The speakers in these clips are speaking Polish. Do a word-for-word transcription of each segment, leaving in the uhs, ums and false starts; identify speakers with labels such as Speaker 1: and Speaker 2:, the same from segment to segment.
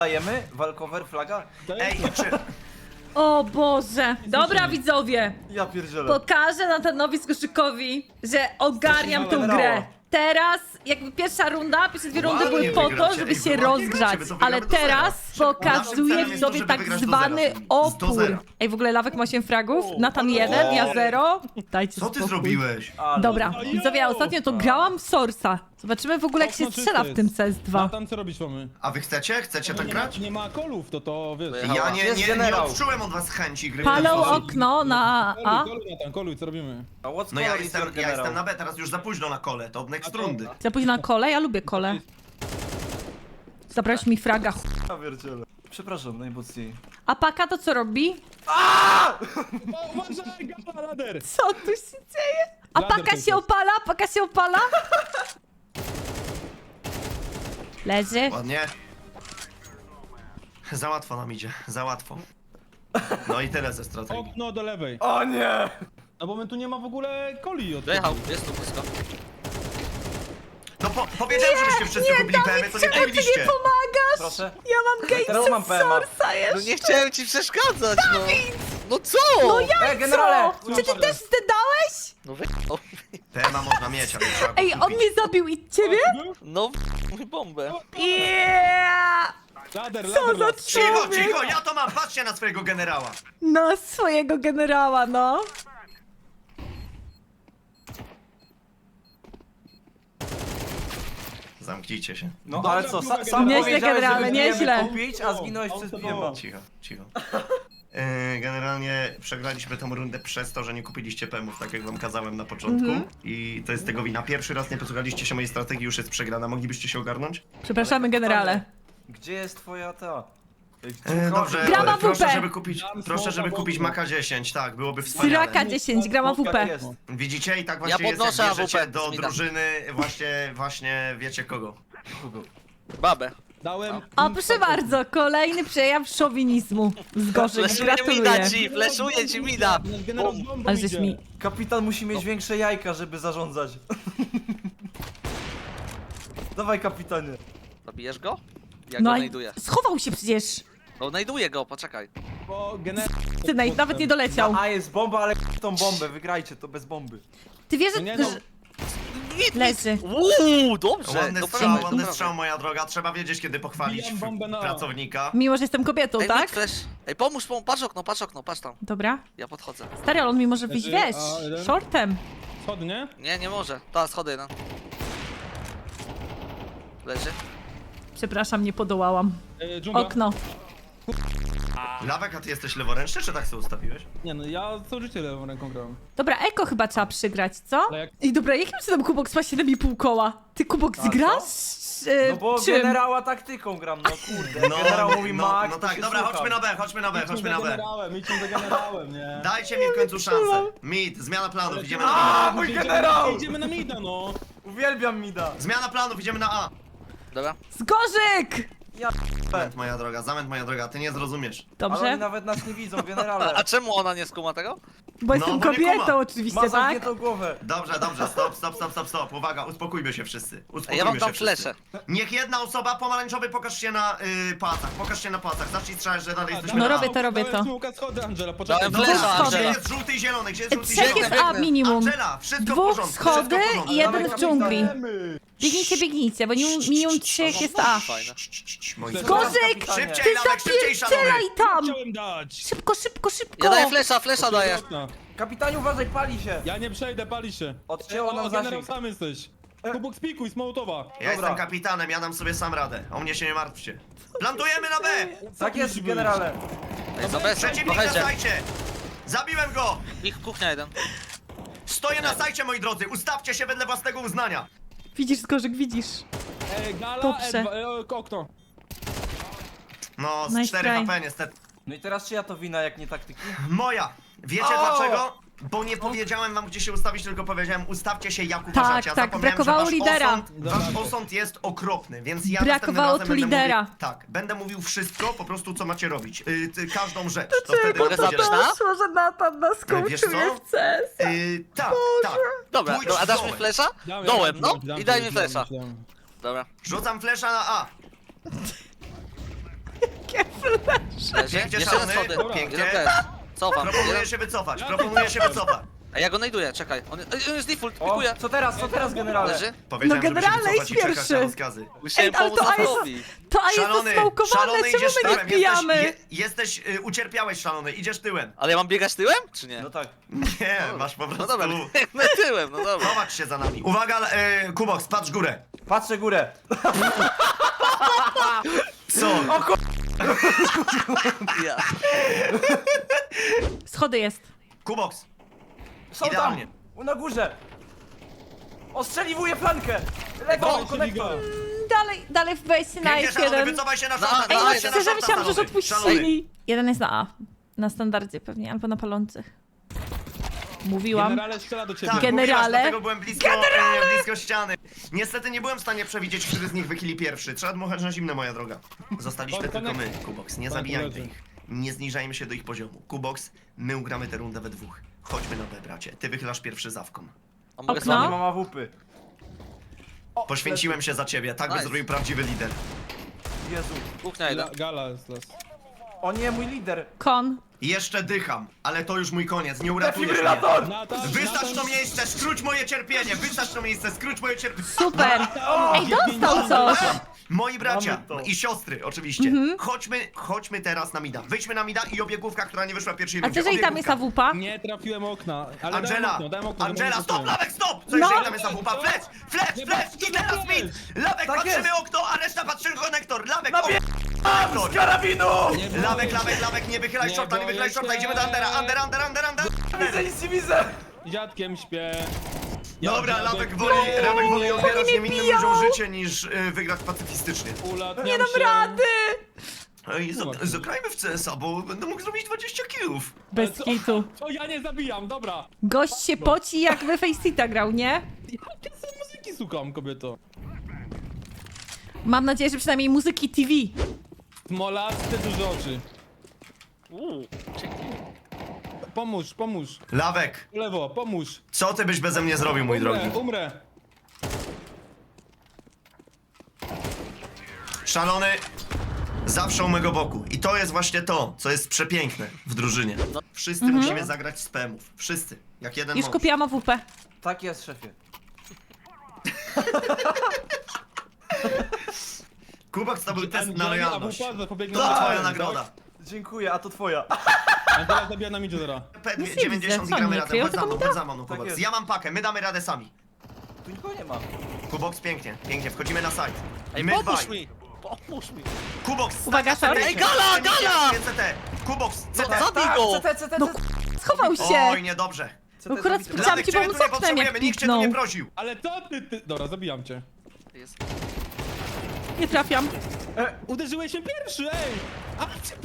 Speaker 1: Dajemy? Walkover, flaga?
Speaker 2: Ej, czy...
Speaker 3: O Boże! Dobra widzowie,
Speaker 1: Ja pierdzielę.
Speaker 3: pokażę Natanowi Skoszykowi, że ogarniam tą grę. Teraz, jakby pierwsza runda, pierwsze dwie rundy
Speaker 2: Ładnie
Speaker 3: były po to,
Speaker 2: wygracie.
Speaker 3: żeby
Speaker 2: Ej,
Speaker 3: się
Speaker 2: wy ładnie
Speaker 3: rozgrzać,
Speaker 2: gracie, wy to
Speaker 3: ale
Speaker 2: wygramy do
Speaker 3: teraz
Speaker 2: zera.
Speaker 3: pokazuję
Speaker 2: Naszym celem jest to,
Speaker 3: widzowie
Speaker 2: żeby
Speaker 3: tak
Speaker 2: wygrać do
Speaker 3: zwany
Speaker 2: zera. Do
Speaker 3: opór.
Speaker 2: zera.
Speaker 3: Ej, w ogóle Lawek ma osiem fragów, Natan jeden, ja zero. Dajcie
Speaker 2: Co ty
Speaker 3: spokój.
Speaker 2: zrobiłeś?
Speaker 1: Ale...
Speaker 3: Dobra, widzowie, ja ostatnio to grałam w Sorsa. Zobaczymy w ogóle jak się strzela w tym C S dwa.
Speaker 4: Tam co robić mamy?
Speaker 2: A wy chcecie? Chcecie tak
Speaker 4: nie, ma,
Speaker 2: grać?
Speaker 4: nie ma kolów, to to wiesz.
Speaker 2: Ja nie,
Speaker 1: Jest
Speaker 2: nie, nie
Speaker 1: generał.
Speaker 2: odczułem od was chęci gry w ten
Speaker 3: Palą
Speaker 2: sposób.
Speaker 3: okno na A.
Speaker 4: Koluj, koluj, Natan, koluj, co robimy?
Speaker 1: A what's
Speaker 2: No ja
Speaker 1: color is
Speaker 2: jestem,
Speaker 1: your
Speaker 2: ja jestem
Speaker 1: general?
Speaker 2: na B, teraz już za późno na kole, to od next rundy.
Speaker 3: Za późno na kole? Ja lubię kole. Zabrałeś mi fraga. ch-
Speaker 1: Ja pierdzielę. Przepraszam, najmocniej.
Speaker 3: A Paka to co robi?
Speaker 4: O, uważaj, gala, lader!
Speaker 3: Co tu się dzieje? A
Speaker 4: Lader
Speaker 3: Paka
Speaker 4: ten
Speaker 3: się
Speaker 4: jest.
Speaker 3: opala? Paka się opala? Leży.
Speaker 2: Ładnie. Za łatwo nam idzie, za łatwo. No i tyle ze strategii.
Speaker 4: Okno do lewej.
Speaker 1: O nie!
Speaker 4: No bo my tu nie ma w ogóle coli od
Speaker 5: Dojechał, jest tu blisko.
Speaker 2: No po, powiedziałem, żebyście wszyscy kupili P M y, to nie
Speaker 3: Czemu ty nie
Speaker 2: kupiliście.
Speaker 3: pomagasz?
Speaker 1: Proszę.
Speaker 3: Ja mam
Speaker 1: Teraz
Speaker 3: games
Speaker 1: mam
Speaker 3: z
Speaker 1: P M a.
Speaker 3: Sorsa
Speaker 5: No
Speaker 3: jeszcze.
Speaker 5: nie chciałem ci przeszkadzać, no. No co?
Speaker 3: No ja
Speaker 1: Ej, generale!
Speaker 3: co? Czy ty też zdedałeś?
Speaker 5: No wy... o,
Speaker 2: P M a można mieć, ale trzeba go
Speaker 3: Ej, on
Speaker 2: kupić.
Speaker 3: mnie zabił i ciebie?
Speaker 5: No w... bombę.
Speaker 3: Yeah!
Speaker 4: Lader,
Speaker 3: Co
Speaker 4: lader,
Speaker 3: za
Speaker 4: lader.
Speaker 2: Cicho,
Speaker 3: człowiek?
Speaker 2: cicho, ja to mam, patrzcie na swojego generała.
Speaker 3: No, swojego generała, no.
Speaker 2: Zamknijcie się.
Speaker 1: No
Speaker 4: Dobra,
Speaker 1: ale co,
Speaker 4: druga
Speaker 1: sa, sam
Speaker 3: Nieźle,
Speaker 1: powiedziałeś,
Speaker 3: generale,
Speaker 1: żeby bijemy
Speaker 3: nieźle.
Speaker 1: kupić, a zginąłeś przez dwiema.
Speaker 2: Cicho, cicho. Yy, Generalnie przegraliśmy tę rundę przez to, że nie kupiliście P M ów, tak jak wam kazałem na początku.
Speaker 3: Mhm.
Speaker 2: I to jest tego wina. Pierwszy raz nie posłuchaliście się mojej strategii, już jest przegrana. Moglibyście się ogarnąć?
Speaker 3: Przepraszamy, generale.
Speaker 1: Gdzie jest twoja ta?
Speaker 2: Yy, dobrze,
Speaker 3: Grama
Speaker 2: proszę,
Speaker 3: W P.
Speaker 2: żeby kupić,
Speaker 4: Dam
Speaker 2: proszę,
Speaker 4: smoka
Speaker 2: żeby
Speaker 4: w
Speaker 2: kupić
Speaker 4: okno.
Speaker 2: Maka dziesięć, tak, byłoby wspaniale.
Speaker 3: Syraka dziesięć, grama W P.
Speaker 1: Jest.
Speaker 2: Widzicie? I tak właśnie jest,
Speaker 5: podnoszę
Speaker 2: jak bierzecie
Speaker 5: A W P
Speaker 2: do
Speaker 5: z mida.
Speaker 2: drużyny właśnie, właśnie wiecie kogo.
Speaker 5: Babę.
Speaker 4: Dałem.
Speaker 3: O, proszę bardzo, kolejny przejaw szowinizmu. Z Gorzek,
Speaker 5: Fleszuje
Speaker 3: gratuluję.
Speaker 5: mida ci, fleszuje ci mida.
Speaker 4: Generał z bombą
Speaker 3: Ale żeś
Speaker 4: idzie.
Speaker 3: mi...
Speaker 1: Kapitan musi mieć większe jajka, żeby zarządzać. Dawaj, kapitanie.
Speaker 5: Zabijesz go? Ja
Speaker 3: No
Speaker 5: go
Speaker 3: i
Speaker 5: znajduję.
Speaker 3: schował się przecież.
Speaker 5: No znajduję go, poczekaj.
Speaker 4: Bo generał...
Speaker 3: Ty naj- nawet nie doleciał.
Speaker 1: A jest bomba, ale tą bombę, wygrajcie to bez bomby.
Speaker 3: Ty wiesz,
Speaker 4: No nie,
Speaker 3: że...
Speaker 4: no.
Speaker 3: że- Leży.
Speaker 5: Uuu, dobrze.
Speaker 2: Ładny
Speaker 5: to
Speaker 2: strzał,
Speaker 5: prawie,
Speaker 2: ładny
Speaker 5: to
Speaker 2: strzał,
Speaker 5: prawie.
Speaker 2: moja droga. Trzeba wiedzieć, kiedy pochwalić
Speaker 4: Wbijam bombę na-
Speaker 2: pracownika.
Speaker 3: Mimo, że jestem kobietą,
Speaker 5: Ej,
Speaker 3: tak?
Speaker 5: flash. Ej, pomóż, pomóż, patrz okno, patrz okno, patrz tam.
Speaker 3: Dobra.
Speaker 5: Ja podchodzę.
Speaker 3: Stary, ale on mi może wyjść,
Speaker 4: Leży,
Speaker 3: wiesz,
Speaker 4: a, jeden.
Speaker 3: shortem.
Speaker 5: No.
Speaker 4: Schody, nie?
Speaker 5: Nie, nie może. Ta, schody jeden. Leży.
Speaker 3: Przepraszam, nie podołałam.
Speaker 4: E, dżungla.
Speaker 3: Okno.
Speaker 2: Lawek, a ty jesteś leworęczny, czy tak sobie ustawiłeś?
Speaker 4: Nie no, ja całe życie lewą ręką grałem.
Speaker 3: Dobra, Eko chyba trzeba przygrać, co?
Speaker 4: Ale jak-
Speaker 3: I dobra, jakim cudem Kubok ma siedem i pół koła? Ty Kubok
Speaker 1: A
Speaker 3: zgrasz? E,
Speaker 1: No bo
Speaker 3: czym?
Speaker 1: generała taktyką gram, no kurde. Generał mówi
Speaker 2: no,
Speaker 1: Max,
Speaker 2: no
Speaker 1: to
Speaker 2: tak,
Speaker 1: się
Speaker 2: dobra,
Speaker 1: słucham.
Speaker 2: chodźmy na B, chodźmy na B, chodźmy na
Speaker 4: za
Speaker 2: B.
Speaker 4: generałem, idźmy za generałem, nie?
Speaker 2: Dajcie mi w końcu szansę. Mid, zmiana planów, idziemy na
Speaker 1: A,
Speaker 2: A.
Speaker 1: mój
Speaker 4: Idziemy-
Speaker 1: generał!
Speaker 4: Idziemy na mida, no!
Speaker 1: Uwielbiam Mida.
Speaker 2: Zmiana planów, idziemy na A.
Speaker 5: Dobra.
Speaker 3: Zgorzyk!
Speaker 2: Zamęt, moja droga, zamęt, moja droga, ty nie zrozumiesz.
Speaker 1: Ale
Speaker 3: Dobrze,
Speaker 1: oni nawet nas nie widzą, generale.
Speaker 5: A czemu ona nie skuma tego?
Speaker 3: bo jestem
Speaker 2: bo nie
Speaker 3: kobietą
Speaker 2: kuma.
Speaker 3: oczywiście,
Speaker 1: Ma
Speaker 3: tak?
Speaker 1: zamkniętą głowę.
Speaker 2: Dobrze, dobrze, stop, stop, stop, stop, stop. Uwaga, uspokójmy się wszyscy.
Speaker 5: Ej,
Speaker 2: Uspokójmy
Speaker 5: ja wam
Speaker 2: się
Speaker 5: dam
Speaker 2: wszyscy.
Speaker 5: flesze.
Speaker 2: Niech jedna osoba pomarańczowy pokaż się na y, pałacach, pokaż się na pałacach. Zacznij strzelać, że dalej jesteśmy
Speaker 3: No
Speaker 2: na
Speaker 3: robię
Speaker 2: A.
Speaker 3: to, robię
Speaker 4: Dałem
Speaker 3: to.
Speaker 4: smoka schody, Angela, poczekaj.
Speaker 5: Dałem
Speaker 2: Dobra,
Speaker 5: flesza,
Speaker 3: schody.
Speaker 2: gdzie
Speaker 5: Angela.
Speaker 2: jest żółty i zielony, gdzie jest żółty i
Speaker 3: Trzech
Speaker 2: zielony?
Speaker 3: jest A minimum.
Speaker 2: Angela, wszystko w
Speaker 3: Dwóch
Speaker 2: porządku, wszystko w
Speaker 3: schody
Speaker 2: porządku.
Speaker 3: i jeden
Speaker 1: Dawaj,
Speaker 3: w dżungli.
Speaker 4: Dajemy.
Speaker 3: Biegnijcie, biegnijcie, bo minimum, minimum trzech jest A.
Speaker 5: Fajne.
Speaker 2: Moi
Speaker 4: Gorzyk,
Speaker 2: drodzy.
Speaker 1: kapitanie.
Speaker 2: Szybciej,
Speaker 3: Ty
Speaker 2: Lawek, szybciej, szalony!
Speaker 3: zapierdzielaj tam!
Speaker 4: Chciałem dać!
Speaker 3: Szybko, szybko, szybko!
Speaker 5: Ja daję flesza, flesza daję.
Speaker 4: Okna.
Speaker 1: Kapitanie, uważaj, pali się.
Speaker 4: Ja nie przejdę, pali się.
Speaker 1: Odcięło
Speaker 4: O,
Speaker 1: nam
Speaker 4: generał
Speaker 1: zasięg.
Speaker 4: sam jesteś. Kubok spikuj, z Mołotowa.
Speaker 2: Ja
Speaker 1: Dobra.
Speaker 2: jestem kapitanem, ja dam sobie sam radę. O mnie się nie martwcie. Plantujemy na B!
Speaker 1: Tak jest, generale.
Speaker 5: Ej, za besem,
Speaker 2: Przeciwnik na
Speaker 5: trochę
Speaker 2: sajcie! Zabiłem go!
Speaker 5: Ich kuchnia jeden.
Speaker 2: Stoję na sajcie, moi drodzy! Ustawcie się wedle własnego uznania!
Speaker 3: Widzisz, Zgorzyk, widzisz.
Speaker 4: E, gala,
Speaker 3: Dobrze.
Speaker 4: E, dwa, e, okno.
Speaker 2: No, z
Speaker 3: Nice
Speaker 2: cztery
Speaker 3: try.
Speaker 2: H P niestety.
Speaker 1: No i teraz czyja to wina, jak nie taktyki?
Speaker 2: Moja! Wiecie
Speaker 1: O!
Speaker 2: dlaczego? Bo nie powiedziałem wam, gdzie się ustawić, tylko powiedziałem, ustawcie się jak
Speaker 3: Tak,
Speaker 2: uważacie. Ja
Speaker 3: tak,
Speaker 2: zapomniałem,
Speaker 3: brakowało
Speaker 2: że wasz
Speaker 3: lidera.
Speaker 2: Osąd, wasz osąd jest okropny, więc ja
Speaker 3: Brakowało
Speaker 2: następnym razem
Speaker 3: tu
Speaker 2: będę
Speaker 3: lidera.
Speaker 2: Mówił, tak, będę mówił wszystko, po prostu co macie robić. Yy, ty, każdą rzecz. To wtedy
Speaker 5: Mogę
Speaker 2: będzie
Speaker 5: zabrać
Speaker 2: lepiej.
Speaker 5: na?
Speaker 3: Doszło, że Natan nas
Speaker 2: Wiesz co?
Speaker 3: skończył w C S.
Speaker 2: Yy, tak, tak.
Speaker 5: Dobra,
Speaker 2: Pójdź
Speaker 5: no, a dasz mi
Speaker 2: dołem.
Speaker 5: flesza?
Speaker 4: Dam,
Speaker 5: Dołem,
Speaker 4: dam,
Speaker 5: no.
Speaker 4: dam,
Speaker 5: I daj
Speaker 4: dam,
Speaker 5: mi
Speaker 4: dam,
Speaker 5: flesza.
Speaker 4: dam.
Speaker 5: Dobra.
Speaker 2: Rzucam flesza na A.
Speaker 5: Leży.
Speaker 2: Pięknie,
Speaker 5: Jeszcze jeden
Speaker 2: szalony,
Speaker 5: schody.
Speaker 2: pięknie.
Speaker 5: Jeden też. Cofam.
Speaker 2: Proponuję
Speaker 5: Jeden.
Speaker 2: się wycofać, proponuję się wycofać.
Speaker 5: A ja go najduję, czekaj. On, on jest default,
Speaker 1: O,
Speaker 5: pikuję.
Speaker 1: co teraz, co teraz, generale?
Speaker 5: Leży.
Speaker 2: Powiedziałem,
Speaker 3: No
Speaker 2: żeby się
Speaker 3: generalnie
Speaker 2: wycofać i
Speaker 3: jest
Speaker 2: czekać
Speaker 3: pierwszy.
Speaker 2: na rozkazy.
Speaker 5: Musiałem
Speaker 3: ale
Speaker 5: pomóc
Speaker 3: to A jest-
Speaker 5: Zafowi.
Speaker 3: To A jest
Speaker 2: Szalony,
Speaker 3: zasmałkowane,
Speaker 2: szalony,
Speaker 3: czemu
Speaker 2: idziesz
Speaker 3: my nie
Speaker 2: tyłem,
Speaker 3: wbijamy?
Speaker 2: jesteś, je, jesteś y, ucierpiałeś szalony, idziesz tyłem.
Speaker 5: Ale ja mam biegać tyłem, czy nie?
Speaker 1: No tak.
Speaker 2: Nie, masz po
Speaker 5: No
Speaker 2: prostu...
Speaker 5: dobra, no tyłem, no dobra.
Speaker 2: Chować się za nami. Uwaga, y, Kubox, patrz górę.
Speaker 1: Patrzę górę.
Speaker 2: Co?
Speaker 1: O kur...
Speaker 5: Ja.
Speaker 3: Schody jest.
Speaker 2: Kubox,
Speaker 1: Są
Speaker 2: Idealnie.
Speaker 1: tam! Na górze! Ostrzeliwuję flankę! Lewą,
Speaker 4: Dawaj,
Speaker 1: konektor!
Speaker 4: Liga.
Speaker 3: Dalej, dalej wejście na
Speaker 2: pięknie
Speaker 3: F
Speaker 2: szalony,
Speaker 3: jeden.
Speaker 2: wycofaj się na
Speaker 5: Na-
Speaker 2: szalony,
Speaker 5: na-
Speaker 3: Ej, no
Speaker 2: wycofaj się na
Speaker 3: szczerze
Speaker 2: szalony,
Speaker 3: myślałam, że już
Speaker 2: szalony.
Speaker 3: odpuścili. Jeden jest na A. Na standardzie pewnie, albo na palących. Mówiłam.
Speaker 4: Generale strzela do ciebie.
Speaker 2: Tak,
Speaker 3: Generale.
Speaker 2: mówiłaś, dlatego byłem blisko, e, blisko ściany. Niestety nie byłem w stanie przewidzieć, który z nich wychyli pierwszy. Trzeba dmuchać na zimne, moja droga. Zostaliśmy
Speaker 4: Pan
Speaker 2: tylko my,
Speaker 4: konek-
Speaker 2: Kubox. Nie
Speaker 4: Pan
Speaker 2: zabijajmy
Speaker 4: koledzy.
Speaker 2: ich. Nie zniżajmy się do ich poziomu. Kubox, my ugramy tę rundę we dwóch. Chodźmy na B, bracie. Ty wychylasz pierwszy zawką.
Speaker 5: A mogę
Speaker 3: Okno?
Speaker 1: Nie
Speaker 5: sobie?
Speaker 1: mam awupy. O,
Speaker 2: Poświęciłem się za ciebie, tak by
Speaker 5: Nice.
Speaker 2: zrobił prawdziwy lider.
Speaker 1: Jezu.
Speaker 5: Kuchnia jeden.
Speaker 4: La- Gala jest las.
Speaker 1: O nie, mój lider.
Speaker 3: Kon.
Speaker 2: Jeszcze dycham, ale to już mój koniec, nie uratujesz mnie.
Speaker 1: Defibrylator!
Speaker 4: Natan,
Speaker 2: Wystać
Speaker 4: Natan-
Speaker 2: to miejsce, skróć moje cierpienie! Wystać to miejsce, skróć moje cierpienie!
Speaker 3: Super. Ej, dostał coś.
Speaker 2: Moi bracia
Speaker 1: Mamy to.
Speaker 2: i siostry, oczywiście. Chodźmy, chodźmy teraz na Mida. Wyjdźmy na Mida i obiegówka, która nie wyszła w pierwszej
Speaker 3: A
Speaker 2: rundzie.
Speaker 3: co jeżeli tam jest
Speaker 2: Obiegówka.
Speaker 3: A W P?
Speaker 4: Nie trafiłem okna. Ale dałem
Speaker 2: Angela,
Speaker 4: okno, dałem okno.
Speaker 2: Angela,
Speaker 4: dałem
Speaker 2: stop,
Speaker 4: okno.
Speaker 2: Lawek, stop! Co
Speaker 3: No.
Speaker 2: jeżeli tam jest awupa? Flash, flash,
Speaker 4: Nie,
Speaker 2: flash
Speaker 4: bo-
Speaker 2: i teraz mid! Lawek,
Speaker 1: Tak
Speaker 2: patrzymy
Speaker 1: jest.
Speaker 2: okno, a reszta patrzy konektor. Lawek,
Speaker 1: Nabie-
Speaker 2: ok- konektor.
Speaker 1: Z karabinu!
Speaker 4: Nie boję
Speaker 2: Lawek,
Speaker 4: się.
Speaker 2: lawek, lawek, nie wychylaj
Speaker 4: Nie
Speaker 2: shorta, nie
Speaker 4: boję
Speaker 2: wychylaj shorta,
Speaker 4: się.
Speaker 2: idziemy do Andera, Under, Under, Under, Under.
Speaker 1: Widzę, nic nie widzę!
Speaker 4: Dziadkiem śpię.
Speaker 2: Dobra,
Speaker 4: Dziadek-
Speaker 2: Lawek woli, Lawek woli odbierać
Speaker 3: mnie
Speaker 2: niewinnym
Speaker 3: biją.
Speaker 2: ludziom życie niż y, wygrać pacyfistycznie.
Speaker 4: Ulatniam
Speaker 3: Nie dam
Speaker 4: się.
Speaker 3: rady.
Speaker 2: Ej, z- zagrajmy w C S a, bo będę mógł zrobić dwadzieścia killów.
Speaker 3: Bez
Speaker 4: Ale co-
Speaker 3: kitu.
Speaker 4: Co, ja nie zabijam, dobra.
Speaker 3: Gość się poci jakby Faceita grał, nie?
Speaker 4: Ja sobie muzyki słucham, kobieto.
Speaker 3: Mam nadzieję, że przynajmniej muzyki T V.
Speaker 4: Smolaste duże oczy.
Speaker 5: Uuu,
Speaker 4: Pomóż, pomóż.
Speaker 2: Lawek,
Speaker 4: Lewo, pomóż.
Speaker 2: co ty byś beze mnie zrobił, mój
Speaker 4: Umrę,
Speaker 2: drogi?
Speaker 4: umrę.
Speaker 2: Szalony, zawsze u mego boku. I to jest właśnie to, co jest przepiękne w drużynie. Wszyscy musimy zagrać z P M ów. Wszyscy. Jak jeden
Speaker 3: Już
Speaker 2: mąż.
Speaker 3: kupiłam A W P.
Speaker 1: Tak jest, szefie.
Speaker 2: Kubok to był test na
Speaker 4: Angela,
Speaker 2: lojalność.
Speaker 4: A W P zapobiegnie
Speaker 2: To
Speaker 4: na-
Speaker 2: twoja
Speaker 4: tak?
Speaker 2: nagroda.
Speaker 1: Dziękuję, a to twoja.
Speaker 4: Angela zabija na midzie teraz.
Speaker 2: P
Speaker 3: Nic nie
Speaker 2: dziewięćdziesiąt
Speaker 3: widzę.
Speaker 2: i gramy
Speaker 3: Co, nie
Speaker 2: razem.
Speaker 3: kryją
Speaker 2: Chodź za
Speaker 3: tego
Speaker 2: mną,
Speaker 3: mida?
Speaker 2: chodź za mną,
Speaker 1: Tak
Speaker 2: Kubox.
Speaker 1: jest.
Speaker 2: Ja mam pakę, my damy radę sami.
Speaker 1: Tu nikogo nie ma.
Speaker 2: Kubox, pięknie, pięknie, wchodzimy na site.
Speaker 5: Ej,
Speaker 2: My
Speaker 5: pomóż
Speaker 2: dwaj.
Speaker 5: mi! Pomóż mi!
Speaker 2: Kubox,
Speaker 3: Uwaga,
Speaker 2: stawia
Speaker 3: short.
Speaker 2: C T.
Speaker 5: Ej, gala, gala!
Speaker 2: C T. Kubox, C T.
Speaker 5: No, zabij
Speaker 1: Tak,
Speaker 5: go!
Speaker 1: C T, C T,
Speaker 3: No
Speaker 1: C T.
Speaker 3: Schował się.
Speaker 2: Oj, niedobrze.
Speaker 1: C T
Speaker 3: Akurat
Speaker 1: zabity.
Speaker 3: Chciałam
Speaker 2: Ladek,
Speaker 3: ci
Speaker 2: ciebie
Speaker 3: pomóc
Speaker 2: tu nie
Speaker 3: oknem, jak
Speaker 2: potrzebujemy, nikt cię tu nie
Speaker 3: piknął.
Speaker 2: prosił.
Speaker 4: Ale to ty, ty... Dobra, zabijam cię.
Speaker 5: Jest.
Speaker 3: Nie trafiam.
Speaker 4: Uderzyłeś się pierwszy, ej! A,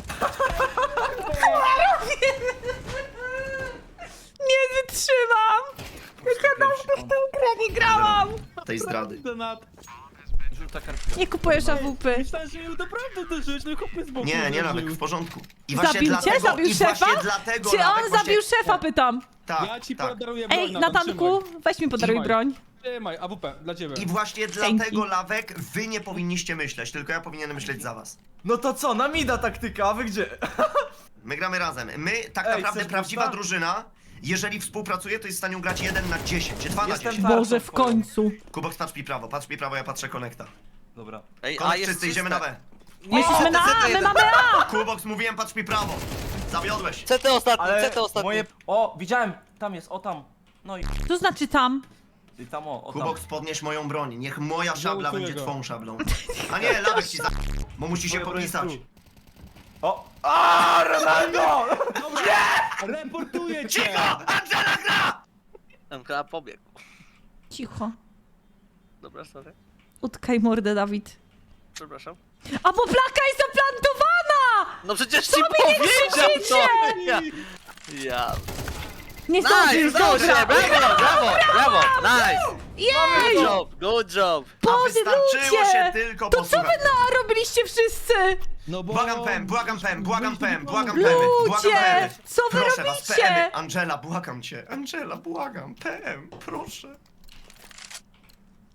Speaker 3: Nie wytrzymam. Jak ja dawno w tę grę nie grałam.
Speaker 2: Tej zdrady.
Speaker 4: Donat.
Speaker 1: Żółta kartka.
Speaker 3: Nie kupujesz A W P.
Speaker 4: Myślałem, że mnie naprawdę uderzyłeś, no chłopie z boku
Speaker 2: Nie, nie,
Speaker 4: uderzył.
Speaker 2: Lawek, w porządku. I właśnie
Speaker 3: Zabił cię?
Speaker 2: dlatego,
Speaker 3: Zabił
Speaker 2: i
Speaker 3: szefa?
Speaker 2: właśnie dlatego,
Speaker 3: Czy
Speaker 2: Lawek,
Speaker 3: on
Speaker 2: właśnie-
Speaker 3: zabił szefa, pytam.
Speaker 2: Tak,
Speaker 4: Ja ci
Speaker 2: tak.
Speaker 4: podaruję broń,
Speaker 3: Ej,
Speaker 4: Natan,
Speaker 3: Natanku, weź mi podaruj
Speaker 4: Trzymaj.
Speaker 3: broń.
Speaker 4: Trzymaj, A W P, dla ciebie.
Speaker 2: I właśnie
Speaker 3: Dzięki.
Speaker 2: dlatego, Lawek, wy nie powinniście myśleć, tylko ja powinienem myśleć za was.
Speaker 1: No to co, na mida taktyka, a wy gdzie?
Speaker 2: My gramy razem. My, tak
Speaker 1: Ej,
Speaker 2: naprawdę,
Speaker 1: chcesz
Speaker 2: prawdziwa
Speaker 1: busta?
Speaker 2: drużyna, jeżeli współpracuje, to jest w stanie grać jeden na dziesięć, dwa na
Speaker 1: Jestem
Speaker 2: dziesięć.
Speaker 1: tak.
Speaker 3: Boże, w końcu.
Speaker 2: Kubox, patrz mi prawo, patrz mi prawo, ja patrzę konekta.
Speaker 1: Dobra.
Speaker 5: Ej, a
Speaker 2: Konek
Speaker 5: jest
Speaker 2: czysty, idziemy na B.
Speaker 3: My jesteśmy na A, my mamy A.
Speaker 2: Kubox, mówiłem, patrz mi prawo. Zawiodłeś.
Speaker 5: C T ostatni,
Speaker 1: Ale
Speaker 5: C T ostatni.
Speaker 1: moje... O, widziałem, tam jest, o tam. No i,
Speaker 3: To znaczy tam.
Speaker 1: i tam, o, o tam.
Speaker 2: Kubox, podnieś moją broń, niech moja szabla
Speaker 4: Żałuję
Speaker 2: będzie
Speaker 4: go.
Speaker 2: twą szablą. A nie, Lawek ci za... bo musi się
Speaker 1: Moja broń jest
Speaker 2: podpisać.
Speaker 1: tu. O! A, Ronaldo!
Speaker 4: Reportuję cię!
Speaker 2: Cicho! Angela gra!
Speaker 5: M K pobiegł.
Speaker 3: Cicho.
Speaker 5: Dobra, sorry.
Speaker 3: Utkaj mordę, Dawid.
Speaker 5: Przepraszam.
Speaker 3: A bo plaka jest zaplantowana!
Speaker 5: No przecież ci
Speaker 3: Co wy nie
Speaker 5: powiedział
Speaker 3: krzyczycie?
Speaker 5: to! Ja. ja.
Speaker 3: Nie
Speaker 5: Nice,
Speaker 3: zdążysz,
Speaker 5: udało się!
Speaker 3: dobra.
Speaker 5: Brawo, brawo, brawo! Nice!
Speaker 3: Jej!
Speaker 5: Good job, good job!
Speaker 2: A
Speaker 3: Boże,
Speaker 2: wystarczyło
Speaker 3: ludzie!
Speaker 2: się tylko
Speaker 3: To co wy
Speaker 2: posłuchać.
Speaker 3: na A robiliście wszyscy?
Speaker 4: No bo...
Speaker 2: Błagam Pem, błagam Pem, błagam Pem, błagam Pem, błagam
Speaker 3: Ludzie!
Speaker 2: Pem.
Speaker 3: Co wy
Speaker 2: Proszę was,
Speaker 3: robicie?
Speaker 2: P M, Angela, błagam cię. Angela, błagam, Pem, proszę.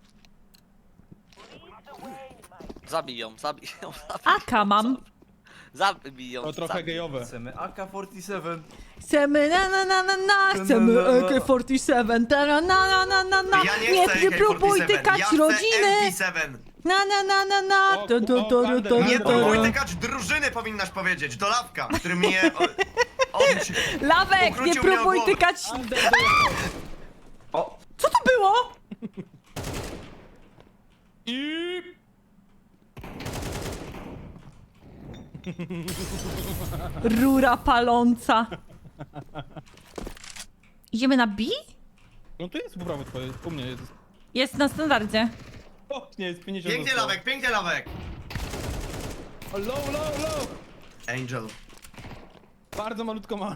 Speaker 5: Zabij ją, zabij ją, zabij.
Speaker 3: Aka mam.
Speaker 5: Zabiją.
Speaker 4: To trochę
Speaker 5: zabiją.
Speaker 4: gejowe.
Speaker 1: Chcemy A K czterdzieści siedem.
Speaker 3: Chcemy na na na na na, chcemy
Speaker 1: Na, na, na.
Speaker 3: A K czterdzieści siedem, ta na na na na na na,
Speaker 2: Ja nie
Speaker 3: nie,
Speaker 2: chcę
Speaker 3: nie
Speaker 2: A K
Speaker 3: próbuj
Speaker 2: czterdzieści siedem,
Speaker 3: tykać
Speaker 2: ja chcę
Speaker 3: rodziny,
Speaker 2: M P siedem.
Speaker 3: na na na na na,
Speaker 4: O,
Speaker 3: tu, tu,
Speaker 4: o,
Speaker 3: tu,
Speaker 4: Wander,
Speaker 3: tu,
Speaker 2: Nie
Speaker 3: tu,
Speaker 2: próbuj
Speaker 3: tu.
Speaker 2: tykać drużyny, powinnaś powiedzieć. Do Lawka, który mnie... O, on cię...
Speaker 3: Lawek, nie
Speaker 2: Ukrócił mnie o
Speaker 3: próbuj
Speaker 2: głowę.
Speaker 3: tykać.
Speaker 4: Under
Speaker 1: O,
Speaker 3: Co to było?
Speaker 4: I...
Speaker 3: Rura paląca. Idziemy na B?
Speaker 4: No tu jest po prawo twoje, u mnie jest.
Speaker 3: Jest na standardzie.
Speaker 4: O, nie, jest pięćdziesiąt.
Speaker 2: Pięknie
Speaker 4: zostało.
Speaker 2: Lawek, pięknie Lawek.
Speaker 4: O, low, low, low!
Speaker 2: Angel.
Speaker 4: Bardzo malutko ma.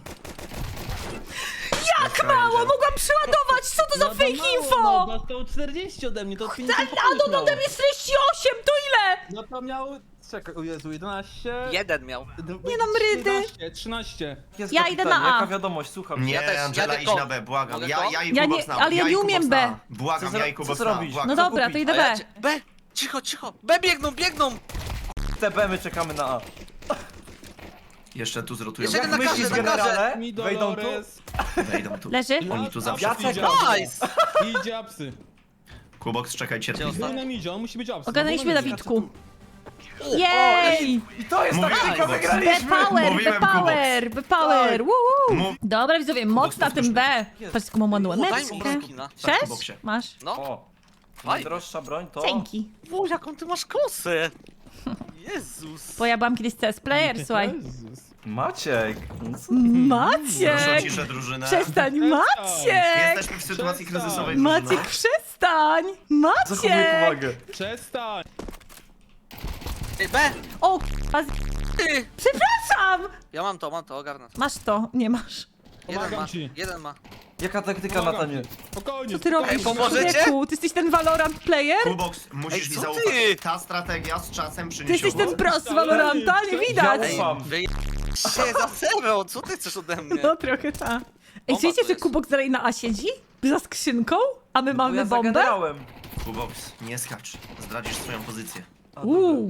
Speaker 3: Jak mało, mogłam przeładować, co to za fake info?
Speaker 4: No, to czterdzieści ode mnie, to
Speaker 3: A,
Speaker 4: pięćdziesiąt
Speaker 3: a no ode mnie czterdzieści osiem, to ile?
Speaker 4: No to miał... Czekaj, o Jezu, jedenaście...
Speaker 5: Jeden miał.
Speaker 3: Nie dam rydy.
Speaker 4: trzynaście, trzynaście.
Speaker 1: jest
Speaker 3: Ja
Speaker 1: kapitan,
Speaker 3: idę na A.
Speaker 1: Jaka wiadomość, słucham.
Speaker 2: Nie,
Speaker 5: Ja też,
Speaker 2: Angela,
Speaker 5: ja
Speaker 2: idź
Speaker 5: tylko-
Speaker 2: na B, błagam.
Speaker 5: Mogę
Speaker 2: Ja,
Speaker 5: to?
Speaker 2: ja i
Speaker 3: Ja
Speaker 2: Kubox
Speaker 3: nie-
Speaker 2: na
Speaker 3: ale ja
Speaker 2: i
Speaker 3: nie
Speaker 2: Kubox
Speaker 3: umiem
Speaker 2: na
Speaker 3: B.
Speaker 2: A. Błagam,
Speaker 1: Co
Speaker 2: ja i
Speaker 1: zro-
Speaker 2: Kubox
Speaker 1: co
Speaker 2: na A,
Speaker 1: zrobisz?
Speaker 2: błagam.
Speaker 3: No
Speaker 1: Co
Speaker 3: dobra,
Speaker 1: kupić?
Speaker 3: to idę
Speaker 5: A ja
Speaker 3: B.
Speaker 5: cię- B! Cicho, cicho! B biegną, biegną!
Speaker 1: Te B my czekamy na A.
Speaker 2: Jeszcze tu zrotują.
Speaker 5: Jeszcze
Speaker 1: Jak
Speaker 5: na
Speaker 1: myślisz,
Speaker 5: każdy, na
Speaker 1: generale?
Speaker 4: Mi
Speaker 1: Wejdą tu?
Speaker 4: Dolores.
Speaker 2: Wejdą tu.
Speaker 3: Leży?
Speaker 2: Oni tu zawsze
Speaker 1: Ja
Speaker 2: przyjdą.
Speaker 1: czekam.
Speaker 5: Nice!
Speaker 4: I idzie apsy.
Speaker 2: Kubox, czekaj cierpliwie.
Speaker 5: Gdzie
Speaker 4: Był na midzie, on musi być apsy.
Speaker 3: Ogarnęliśmy
Speaker 4: Był na midzie.
Speaker 3: Dawidku. Jej!
Speaker 1: I to jest
Speaker 2: Mówiłem,
Speaker 1: taktyka,
Speaker 2: Kubox.
Speaker 1: wygraliśmy!
Speaker 3: B-Power,
Speaker 2: Mówiłem,
Speaker 3: B-Power, B-Power, woo!
Speaker 2: Mów-
Speaker 3: Dobra widzowie, moc na tym B.
Speaker 1: Jest.
Speaker 3: Patrz, jaką mam ładną
Speaker 5: O, daj mi
Speaker 3: łaneczkę.
Speaker 5: skina.
Speaker 3: Sześć?
Speaker 2: Kuboxie.
Speaker 3: Masz?
Speaker 5: No,
Speaker 1: O,
Speaker 5: fajnie.
Speaker 1: najdroższa broń to...
Speaker 3: Dzięki.
Speaker 5: Boże, jaką ty masz kosę! Jezus!
Speaker 3: Bo ja byłam kiedyś C S player, słuchaj.
Speaker 4: Jezus.
Speaker 1: Maciek!
Speaker 2: Proszę o
Speaker 3: Maciek!
Speaker 2: ciszę drużynę.
Speaker 3: Przestań, Maciek!
Speaker 2: Jesteśmy w sytuacji
Speaker 4: Przestań.
Speaker 2: kryzysowej,
Speaker 3: Maciek,
Speaker 2: drużyno.
Speaker 3: przestań!
Speaker 1: Zachowuj
Speaker 3: Maciek!
Speaker 1: powagę.
Speaker 4: Przestań!
Speaker 5: Ej, B!
Speaker 3: O, k***a, z-
Speaker 5: Ty!
Speaker 3: przepraszam!
Speaker 5: Ja mam to, mam to, ogarnę to.
Speaker 3: Masz to, nie masz.
Speaker 5: Jeden
Speaker 4: Pomagam
Speaker 5: ma,
Speaker 4: ci.
Speaker 5: jeden ma.
Speaker 1: Jaka taktyka,
Speaker 4: Pomagam
Speaker 1: Natanie?
Speaker 4: ci. Spokojnie.
Speaker 3: Co ty
Speaker 4: spokojnie.
Speaker 3: robisz,
Speaker 5: pomożecie?
Speaker 3: człowieku? Ty jesteś ten Valorant player?
Speaker 2: Kubox, musisz
Speaker 5: Ej,
Speaker 2: mi
Speaker 5: co
Speaker 2: zaufać.
Speaker 5: ty?
Speaker 2: Ta strategia z czasem
Speaker 3: Ty
Speaker 2: przyniesie
Speaker 3: jesteś ten
Speaker 2: owoce.
Speaker 3: pro z Valoranta, nie widać!
Speaker 1: Ja ufam.
Speaker 5: Wy... się za serwę, co ty chcesz ode mnie?
Speaker 3: No trochę ta. Ej,
Speaker 5: Bomba
Speaker 3: wiecie,
Speaker 5: to
Speaker 3: że
Speaker 5: jest.
Speaker 3: Kubok dalej na A siedzi? Za skrzynką? A my
Speaker 1: No bo
Speaker 3: mamy
Speaker 1: ja
Speaker 3: bombę?
Speaker 1: zagenerałem.
Speaker 2: Kubox, nie skacz. Zdradzisz swoją pozycję.
Speaker 1: A,
Speaker 3: Uuu,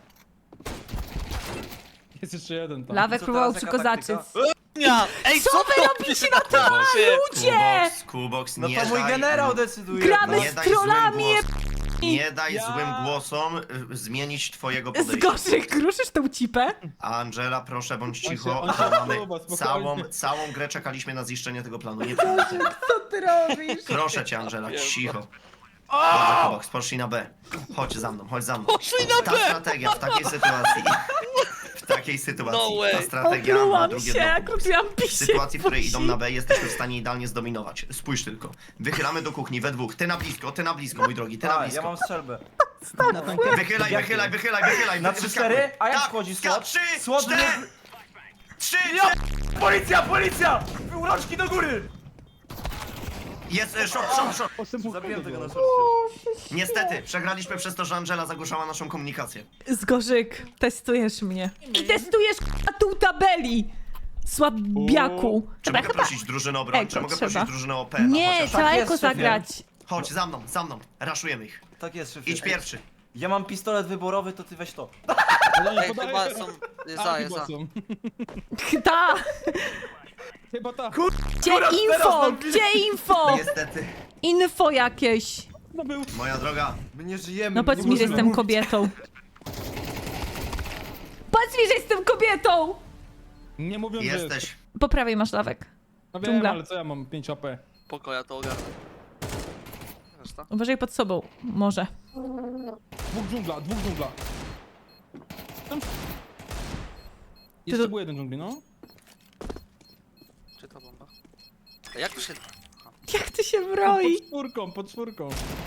Speaker 4: Jest jeszcze jeden tam.
Speaker 3: Lawek
Speaker 1: Co
Speaker 3: próbował
Speaker 1: teraz, jaka
Speaker 3: przykozaczyć.
Speaker 1: taktyka?
Speaker 5: Ja. Ej,
Speaker 3: Co
Speaker 5: co
Speaker 3: wy
Speaker 5: ty
Speaker 3: robicie na tym
Speaker 5: Kuboxie?
Speaker 3: ludzie?
Speaker 2: Kubox, Kubox,
Speaker 1: No
Speaker 2: nie
Speaker 1: to mój
Speaker 2: daj...
Speaker 1: generał decyduje.
Speaker 3: Gramy
Speaker 1: no.
Speaker 2: Nie
Speaker 3: z
Speaker 2: daj złym
Speaker 3: trollami,
Speaker 2: głosom- Nie daj
Speaker 4: Ja-
Speaker 2: złym głosom y, zmienić twojego
Speaker 3: Z
Speaker 2: podejścia.
Speaker 3: gorszych kruszysz tą cipę?
Speaker 2: Angela, proszę, bądź
Speaker 4: On się-
Speaker 2: cicho.
Speaker 4: on się
Speaker 2: bo mamy
Speaker 4: podoba, spokojnie.
Speaker 2: całą, całą grę czekaliśmy na ziszczenie tego planu. Nie przejmuj się.
Speaker 3: Co ty robisz?
Speaker 2: Proszę cię, Angela, cicho. Dobrze, Kubox, poszli na B. Chodź za mną, chodź za mną.
Speaker 5: Poszli na
Speaker 2: Ta
Speaker 5: B!
Speaker 2: strategia w takiej sytuacji... W takiej sytuacji
Speaker 5: No way.
Speaker 2: ta strategia ma
Speaker 3: Oplułam
Speaker 2: drugie
Speaker 3: się,
Speaker 2: dno.
Speaker 3: jak kupiłam
Speaker 2: W
Speaker 3: pisie.
Speaker 2: sytuacji, w której idą na B, jesteśmy w stanie idealnie zdominować. Spójrz tylko. Wychylamy do kuchni we dwóch. Ty na blisko, ty na blisko, mój drogi, ty na
Speaker 1: A, ja
Speaker 2: blisko.
Speaker 1: mam strzelbę.
Speaker 2: Wychylaj, wychylaj, wychylaj, wychylaj.
Speaker 1: Na
Speaker 2: wy-
Speaker 1: trzy
Speaker 2: wyskakuj.
Speaker 1: cztery? A jak
Speaker 2: Tak,
Speaker 1: wchodzi
Speaker 2: ska-
Speaker 1: słod?
Speaker 2: Trzy,
Speaker 1: Słod
Speaker 2: cztery,
Speaker 1: nie-
Speaker 2: trzy,
Speaker 1: Ja... Policja, policja! Uroczki do góry!
Speaker 2: Jest, e, szok, szok, szok.
Speaker 1: Zabiłem tego na szorcie.
Speaker 2: Niestety, przegraliśmy przez to, że Angela zagłuszała naszą komunikację.
Speaker 3: Zgorzyk, testujesz mnie. I testujesz k***a tu tabeli! Słabiaku.
Speaker 2: Czy
Speaker 3: Dobra,
Speaker 2: mogę
Speaker 3: chyba...
Speaker 2: prosić drużynę o broń?
Speaker 3: Eko
Speaker 2: Czy mogę
Speaker 3: trzeba.
Speaker 2: prosić drużynę o P? na
Speaker 3: Nie,
Speaker 2: chociaż?
Speaker 3: trzeba
Speaker 1: Tak jest,
Speaker 3: eko
Speaker 1: szefie.
Speaker 3: zagrać.
Speaker 2: Chodź, za mną, za mną. Raszujemy ich.
Speaker 1: Tak jest, szefie.
Speaker 2: Idź pierwszy.
Speaker 1: Ja mam pistolet wyborowy, to ty weź to.
Speaker 4: Podaję,
Speaker 5: Ej,
Speaker 4: podaję.
Speaker 5: chyba są... Jest
Speaker 4: A,
Speaker 5: za, jest
Speaker 4: chyba
Speaker 5: za.
Speaker 4: są.
Speaker 3: Ta!
Speaker 4: Chyba ta.
Speaker 3: Gdzie
Speaker 1: Akurat teraz
Speaker 3: info?
Speaker 1: nam-
Speaker 3: Gdzie info?
Speaker 2: Niestety.
Speaker 3: Info jakieś.
Speaker 4: No był.
Speaker 2: Moja droga,
Speaker 1: My nie żyjemy.
Speaker 3: No
Speaker 1: my
Speaker 3: powiedz
Speaker 1: nie
Speaker 3: mi, że
Speaker 1: możemy
Speaker 3: jestem
Speaker 1: mówić.
Speaker 3: kobietą. Powiedz mi, że jestem kobietą!
Speaker 4: Nie mówiąc, że jest.
Speaker 2: jesteś.
Speaker 3: Po prawej masz lawek.
Speaker 4: No wiem,
Speaker 3: dżungla.
Speaker 4: ale co ja mam? pięć A P.
Speaker 5: Poko, ja to ogarnę. Reszta?
Speaker 3: Uważaj pod sobą. Może.
Speaker 4: Dwóch dżungla, dwóch dżungla. Tam... Jeszcze
Speaker 3: to-
Speaker 4: był jeden dżungli, no.
Speaker 5: Czy ta bomba? Ej, jak to się...
Speaker 3: Jak ty się broi?
Speaker 4: Pod czwórką, pod czwórką.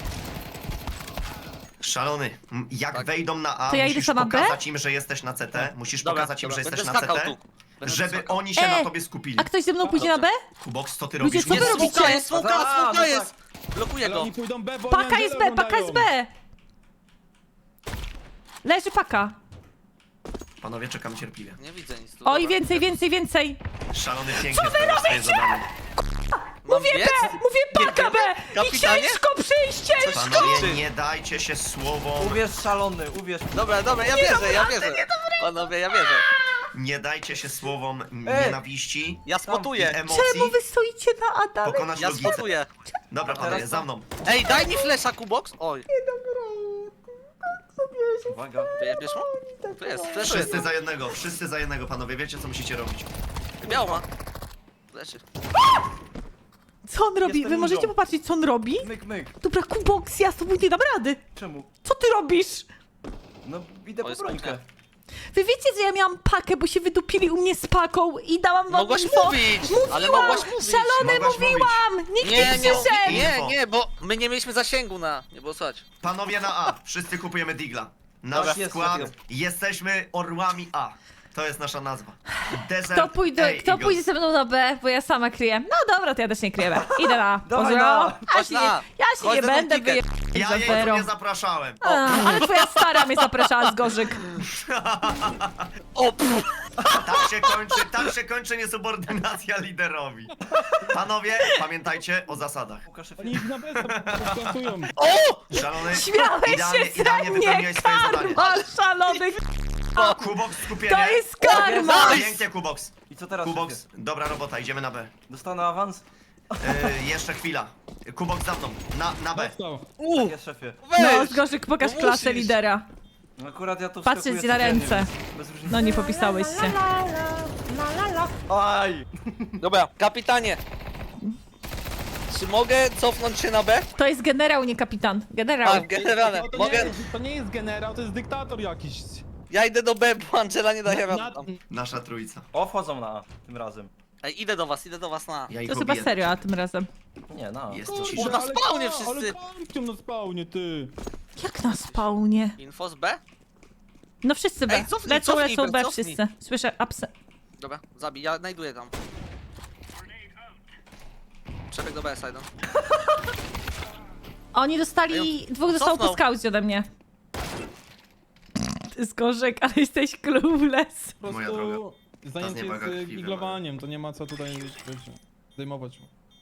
Speaker 2: Szalony, M, jak
Speaker 5: Tak.
Speaker 2: wejdą na A,
Speaker 3: To ja idę
Speaker 2: musisz
Speaker 3: sama B?
Speaker 2: pokazać im, że jesteś na C T. Musisz
Speaker 5: Dobra,
Speaker 2: pokazać im,
Speaker 5: dobra,
Speaker 2: że
Speaker 5: będę
Speaker 2: jesteś na
Speaker 5: skakał
Speaker 2: C T.
Speaker 5: tu. Będę
Speaker 2: Żeby
Speaker 5: skakał.
Speaker 2: oni się
Speaker 3: E,
Speaker 2: na tobie skupili.
Speaker 3: A ktoś ze mną pójdzie na B?
Speaker 2: Kubox, co ty
Speaker 3: Ludzie,
Speaker 2: robisz?
Speaker 3: co wy
Speaker 5: Jest
Speaker 3: robicie?
Speaker 5: smoka, jest smoka,
Speaker 1: A,
Speaker 5: smoka
Speaker 1: no
Speaker 5: jest! Blokuję
Speaker 4: Ale
Speaker 5: go.
Speaker 4: oni pójdą B, bo
Speaker 3: Paka
Speaker 4: oni
Speaker 3: jest
Speaker 4: Angelę
Speaker 3: B, paka jest
Speaker 4: oglądają.
Speaker 3: B! Leży paka.
Speaker 2: Panowie, czekam cierpliwie.
Speaker 5: Nie widzę nic tu.
Speaker 3: Oj,
Speaker 5: dobra.
Speaker 3: więcej, więcej, więcej.
Speaker 2: Szalony pięknie spełnił swoje zadanie.
Speaker 5: Mam
Speaker 3: Mówię
Speaker 5: biec?
Speaker 3: B! Mówię paka B! I
Speaker 5: Kapitanie?
Speaker 3: ciężko przyjść, ciężko!
Speaker 2: Panowie, nie dajcie się słowom.
Speaker 1: Uwierz szalony, uwierz.
Speaker 5: Dobra, dobra, ja wierzę, ja wierzę. Panowie, ja wierzę.
Speaker 2: Nie dajcie się słowom
Speaker 1: Ej!
Speaker 2: nienawiści
Speaker 5: Ja
Speaker 2: i
Speaker 5: spotuję.
Speaker 2: emocji
Speaker 3: Czemu wy stoicie na A dalej?
Speaker 2: pokonać
Speaker 5: Ja
Speaker 2: logicę.
Speaker 5: spotuję.
Speaker 2: Dobra, panowie,
Speaker 1: teraz
Speaker 2: za
Speaker 1: to-
Speaker 2: mną.
Speaker 5: Ej, daj mi flesza, Kubox. Oj,
Speaker 1: Uwaga.
Speaker 5: wyjebiesz mu? Tu jest, fleszy.
Speaker 2: Wszyscy za jednego, wszyscy za jednego, panowie, wiecie co musicie robić.
Speaker 5: Biało ma. Fleszy.
Speaker 3: Co on robi?
Speaker 1: Jestem
Speaker 3: Wy możecie
Speaker 1: ludzią.
Speaker 3: popatrzeć, co on robi?
Speaker 1: Myk, myk.
Speaker 3: Dobra, Kubox, ja z tobą nie dam rady.
Speaker 1: Czemu?
Speaker 3: Co ty robisz?
Speaker 1: No idę
Speaker 5: O,
Speaker 1: po
Speaker 5: jest
Speaker 1: brońkę.
Speaker 5: piękne.
Speaker 3: Wy wiecie, że ja miałam pakę, bo się wydupili u mnie z paką i dałam wam
Speaker 5: Mogłaś
Speaker 3: info.
Speaker 5: mówić, ale
Speaker 3: Mówiłam,
Speaker 5: mogłaś mówić.
Speaker 3: szalony
Speaker 2: Mogłaś
Speaker 3: mówiłam! Nikt nie,
Speaker 5: Nie, nie,
Speaker 3: przyszedł!
Speaker 5: nie, nie, bo my nie mieliśmy zasięgu na... Nie było słychać.
Speaker 2: Panowie na A, wszyscy kupujemy Digla. Nasz
Speaker 1: Dobra, jest,
Speaker 2: skład,
Speaker 1: jest.
Speaker 2: jesteśmy orłami A. To jest nasza nazwa. Desert
Speaker 3: Kto, pójdzie,
Speaker 2: A
Speaker 3: kto
Speaker 2: Eagles.
Speaker 3: pójdzie ze mną na B, bo ja sama kryję. No dobra, to ja też nie kryję B. Idę na A.
Speaker 1: Dawaj
Speaker 3: Pozdro.
Speaker 1: na A.
Speaker 3: Ja
Speaker 5: Chodź
Speaker 3: się,
Speaker 5: na
Speaker 3: nie-
Speaker 5: A.
Speaker 3: ja się
Speaker 5: Chodź
Speaker 3: nie
Speaker 5: na ten
Speaker 3: będę
Speaker 5: ticket.
Speaker 3: wyjechać
Speaker 2: Ja
Speaker 3: za
Speaker 2: jej tu
Speaker 3: zero.
Speaker 2: nie zapraszałem.
Speaker 3: A, ale twoja stara mnie zapraszała z gorzyk.
Speaker 5: O, pff.
Speaker 2: Tak się kończy, tak się kończy niesubordynacja liderowi. Panowie, pamiętajcie o zasadach.
Speaker 1: Łukasz,
Speaker 4: Oni ich na bez plantują.
Speaker 5: O!
Speaker 2: Szalony,
Speaker 3: Śmiałeś
Speaker 2: idealnie,
Speaker 3: się
Speaker 2: idealnie
Speaker 3: ze mnie,
Speaker 2: wypełniłeś swoje zadanie.
Speaker 3: karma, szalony.
Speaker 2: Kubox, skupienie.
Speaker 3: To jest karma.
Speaker 2: Pięknie, Kubox.
Speaker 1: I co teraz,
Speaker 2: Kubox,
Speaker 1: szefie?
Speaker 2: dobra robota, idziemy na B.
Speaker 1: Dostanę awans?
Speaker 2: Yy, jeszcze chwila. Kubox za mną, na, na B.
Speaker 4: Dostał.
Speaker 5: U!
Speaker 1: Tak jest, szefie.
Speaker 3: No,
Speaker 5: Weź!
Speaker 3: z gorzyk pokaż
Speaker 5: No
Speaker 3: klasę
Speaker 5: musisz.
Speaker 3: lidera.
Speaker 1: Akurat ja tu
Speaker 3: Patrzę
Speaker 1: wskakuję
Speaker 3: ci na
Speaker 1: codziennie,
Speaker 3: ręce.
Speaker 1: więc bez różnicy.
Speaker 3: No nie popisałeś się.
Speaker 1: Aj!
Speaker 5: Dobra, kapitanie. Czy mogę cofnąć się na B?
Speaker 3: To jest generał, nie kapitan. Generał.
Speaker 5: A, generalnie.
Speaker 4: To, to, nie
Speaker 5: Mogę...
Speaker 4: jest, to nie jest generał, to jest dyktator jakiś.
Speaker 5: Ja idę do B, bo Angela nie daje
Speaker 4: Na,
Speaker 5: rady tam.
Speaker 2: Nasza trójca.
Speaker 1: O, wchodzą na A tym razem.
Speaker 5: Ej, idę do was, idę do was na...
Speaker 2: Ja ich
Speaker 3: To chyba
Speaker 2: obiję.
Speaker 3: serio, a tym razem.
Speaker 1: Nie, na A.
Speaker 2: Jest
Speaker 4: Kurde,
Speaker 2: cisza.
Speaker 5: na
Speaker 4: ale
Speaker 5: spawnie
Speaker 4: ka-
Speaker 5: wszyscy.
Speaker 4: Ale kampią na spawnie, ty.
Speaker 3: Jak na spawnie?
Speaker 5: Info z B?
Speaker 3: No wszyscy B.
Speaker 5: Ej, cofnij,
Speaker 3: Lecą,
Speaker 5: cofnij,
Speaker 3: lecą B
Speaker 5: Bert, cofnij.
Speaker 3: wszyscy. Słyszę apsy.
Speaker 5: Dobra, zabij, ja znajduję tam. Przebieg do B, Sidon.
Speaker 3: Oni dostali...
Speaker 5: Ej,
Speaker 3: Dwóch dostało po
Speaker 5: cofnął.
Speaker 3: skaucie ode mnie. Ty z gorzek, ale jesteś clueless.
Speaker 4: Po
Speaker 2: Moja
Speaker 4: prostu
Speaker 2: droga.
Speaker 4: zajęcie
Speaker 2: Ta zniewaga
Speaker 4: jest
Speaker 2: krwi
Speaker 4: giglowaniem, to nie ma co tutaj wiecie, zdejmować.